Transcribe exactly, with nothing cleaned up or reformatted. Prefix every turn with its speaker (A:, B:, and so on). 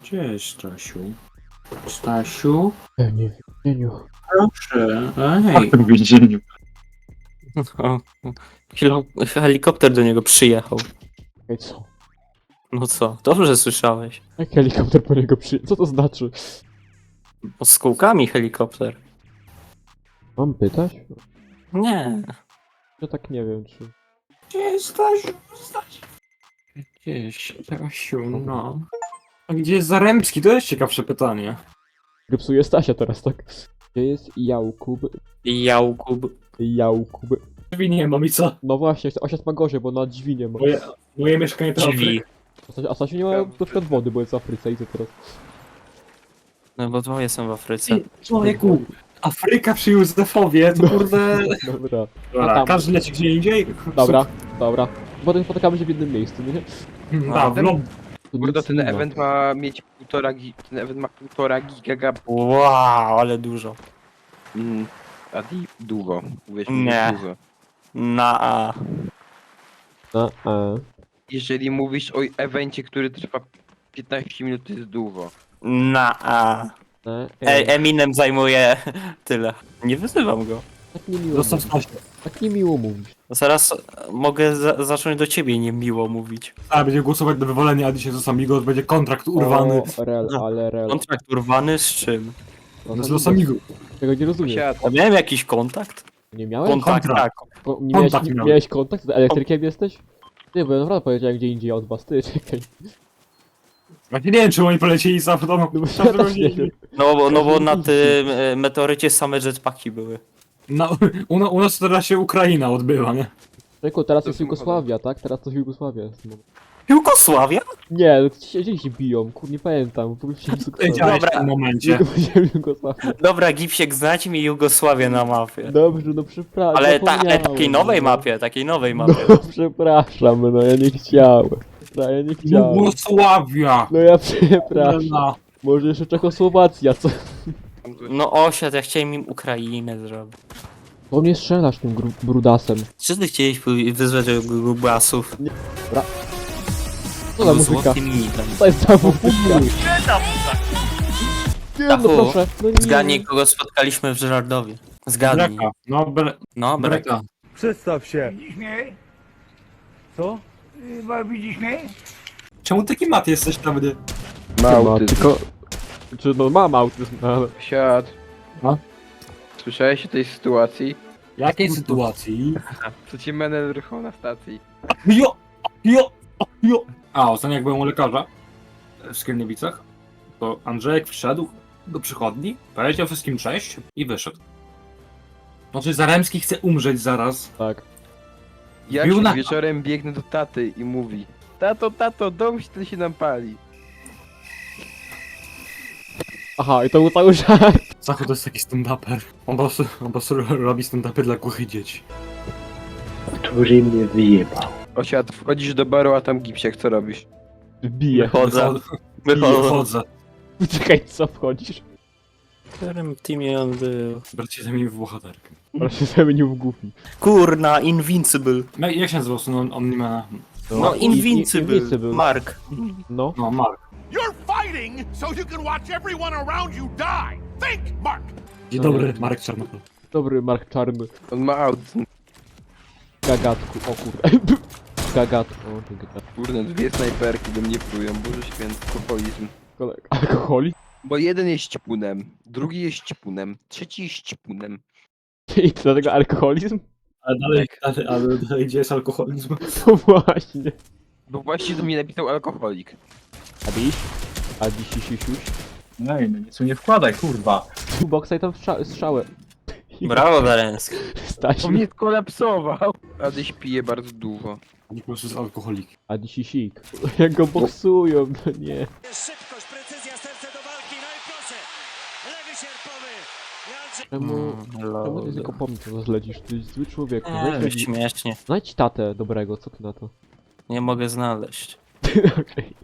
A: Cześć, Stasiu. Stasiu?
B: Ja nie wiem, Cieniu.
A: Proszę,
C: Jak
A: ej.
C: to w więzieniu?
D: O, helo- helikopter do niego przyjechał.
B: Ej, co?
D: No co, dobrze słyszałeś.
B: Jak helikopter po niego przy... Co to znaczy?
D: Pod skółkami helikopter.
B: Mam pytać?
D: Nie.
B: Ja tak nie wiem, czy...
A: Cześć, Stasiu, Stasiu. Cześć, Stasiu, no. A gdzie jest Zaremski? To jest ciekawsze pytanie.
B: Grypsuje Stasia teraz, tak? Gdzie jest Jałkub?
D: Jałkub.
B: Jałkub.
A: Drzwi nie mam i co?
B: No właśnie, osiad ma gorzej, bo na drzwi nie ma.
A: Moje, moje mieszkanie to
D: Drzwi.
B: A Stasia- A Stasiu nie ma na przykład wody, bo jest w Afryce i co teraz?
D: No bo dwoje są w Afryce.
A: Ty, człowieku, Afryka przy Józefowie, to kurde...
B: Dobra,
A: Dobra,
B: tam.
A: każdy leci gdzie indziej.
B: dobra, dobra. Potem spotykamy się w jednym miejscu, nie?
A: Da, w lob...
B: Tu
C: Kurde,
B: nic
C: ten
B: nie ma.
C: event ma mieć półtora gi... Ten event ma półtora giga...
D: Wow, ale dużo.
C: Mm, a di... długo. Uwierz
D: Nie.
C: mi, długo.
D: Na A.
B: A, a.
C: Jeżeli mówisz o evencie, który trwa piętnaście minut, to jest długo.
D: Na A.
B: a,
D: E,
B: e.
D: Eminem zajmuje tyle. Nie wyzywam go.
B: Tak niemiło
A: Zostaw
B: mówić.
A: Stasia.
B: Tak niemiło mówić.
D: Zaraz mogę za zacząć do ciebie niemiło mówić.
A: A, będzie głosować do wywalenia, a dzisiaj z Amigos będzie kontrakt urwany.
B: O, rel, ale rel.
D: Kontrakt urwany z czym?
B: No,
A: Z Los Amigos.
B: Tego nie rozumiem.
C: Siad.
D: Ja miałem jakiś kontakt?
B: Nie miałeś?
D: Kontakt,
A: Kontrakt.
D: tak.
B: Ko- nie, miałeś,
A: Kontakt
B: nie
A: miałem.
B: miałeś kontakt? Z elektrykiem jesteś? Nie, bo ja naprawdę powiedziałem gdzie indziej od was, ty, czekaj.
A: Właśnie nie wiem, czy oni polecieli za w domu.
B: No bo ja też nie wiem.
D: No bo, no bo na tym e, meteorycie same jetpacki były.
A: Na, u, u nas teraz się Ukraina odbywa, nie?
B: Czekaj, teraz
C: To
B: jest
C: są
B: Jugosławia, tak? Teraz to Jugosławia jest. No.
D: Jugosławia?
B: Nie, no ci się, gdzie się biją, kur, nie pamiętam. Powiedziałem Jugosławia.
A: Wiedziałeś
D: Dobra.
A: w tym momencie.
B: Nie powiedziałem Jugosławia.
D: Dobra, Gipsiek, znajdź mi Jugosławię na mapie.
B: Dobrze, no przepraszam.
D: Ale, ta, ale
B: zapomniałem,
D: takiej nowej
B: no.
D: mapie, takiej nowej mapie.
B: No przepraszam, no ja nie chciałem. No, ja nie chciałem.
A: Jugosławia!
B: No ja przepraszam.
A: No.
B: Może jeszcze Czechosłowacja, co?
D: No osiad, ja chciałem im Ukrainę zrobić.
B: Po mnie strzelasz tym gru- brudasem.
D: Czy ty chciałeś pój- wyzwać grubasów?
B: Co za muzyka?
D: Złotym mitem.
B: To jest ta muzyka. Nie, no
D: Dachu,
B: proszę. No nie.
D: Zgadnij, kogo spotkaliśmy w Żyrardowie. Zgadnij.
A: Breka. No, bre,
D: No, Brek.
A: breka.
E: Przedstaw się.
F: Widzisz mnie?
E: Co?
F: Chyba widzisz mnie?
A: Czemu taki mat jesteś prawdy?
C: Ma
B: Ma,
C: autyzm.
B: tylko... Czy no mam autyzm, no, ale...
C: Siad.
A: No?
C: Słyszałeś o tej sytuacji?
A: Jakiej sytuacji?
C: Co ci menel rychał na stacji?
A: Jo! Jo! Jo! A, ostatnio jak byłem u lekarza w Skierniewicach, to Andrzejek wszedł do przychodni, powiedział wszystkim cześć i wyszedł. Znaczy Zaremski chce umrzeć zaraz.
B: Tak.
C: Ja
A: Bił
C: się
A: na-
C: wieczorem biegnę do taty i mówi: Tato, tato, dom się ten się nam pali.
B: Aha, i to był cały żart.
A: Zachu to jest taki stand-uper. On po prostu, on po prostu robi stand-upy dla głuchych dzieci.
E: Który mnie wyjebał.
C: Osiad, wchodzisz do baru, a tam gipsiak, co robisz?
B: Bije.
D: Wychodzę.
A: Wychodzę.
D: Wychodzę.
A: Wychodzę.
B: Czekaj, co wchodzisz?
D: W którym teamie on był?
A: Bracie zamienił w bohaterkę.
B: Ale się zamienił w głupi.
D: Kurna, Invincible.
A: No i jak się nazywał? No, on, on nie ma...
D: No,
B: i-
D: Invincible.
B: Invincible.
D: Mark.
B: No.
A: No, Mark.
G: You're fighting so you can watch everyone around you die. Think, Mark.
A: Dzień
B: No.
A: dobry, Marek Czarnochol.
B: Dobry Mark Czarny.
C: On ma autyzm.
B: Gagatku, o kurde. Gagatku, o ty gagatku.
C: Kurde, dwie snajperki do mnie plują, Boże święty, alkoholizm.
B: Kolega. Alkoholik?
C: Bo jeden jest ścipunem, drugi jest ścipunem, trzeci jest ścipunem.
B: I dlatego alkoholizm?
A: Ale dalej, ale, ale dalej gdzie jest alkoholizm?
B: No właśnie.
C: Bo właśnie do mnie napisał alkoholik.
B: Adiś? Adiś, sisiuś.
E: No i no nic mu nie wkładaj, kurwa.
B: Tu boksa i tam strza strzałę.
D: Brawo, Zarenski.
B: Stasiu.
C: On mnie skolapsował. Adyś pije bardzo dużo.
A: On po prostu jest alkoholik.
B: Adi sisik. Jak go boksują, no nie.
F: Szybkość, precyzja, serce do walki, no i proszę. Lewy sierpowy. Jandrzej.
B: Czemu... Czemu ty
D: Mm,
B: tylko po mnie to zlecisz? Ty jesteś zły człowiek. No,
D: Nie,
B: znajdź,
D: śmiesznie.
B: znajdź tatę dobrego, co ty na to?
D: Nie mogę znaleźć.
B: Okej.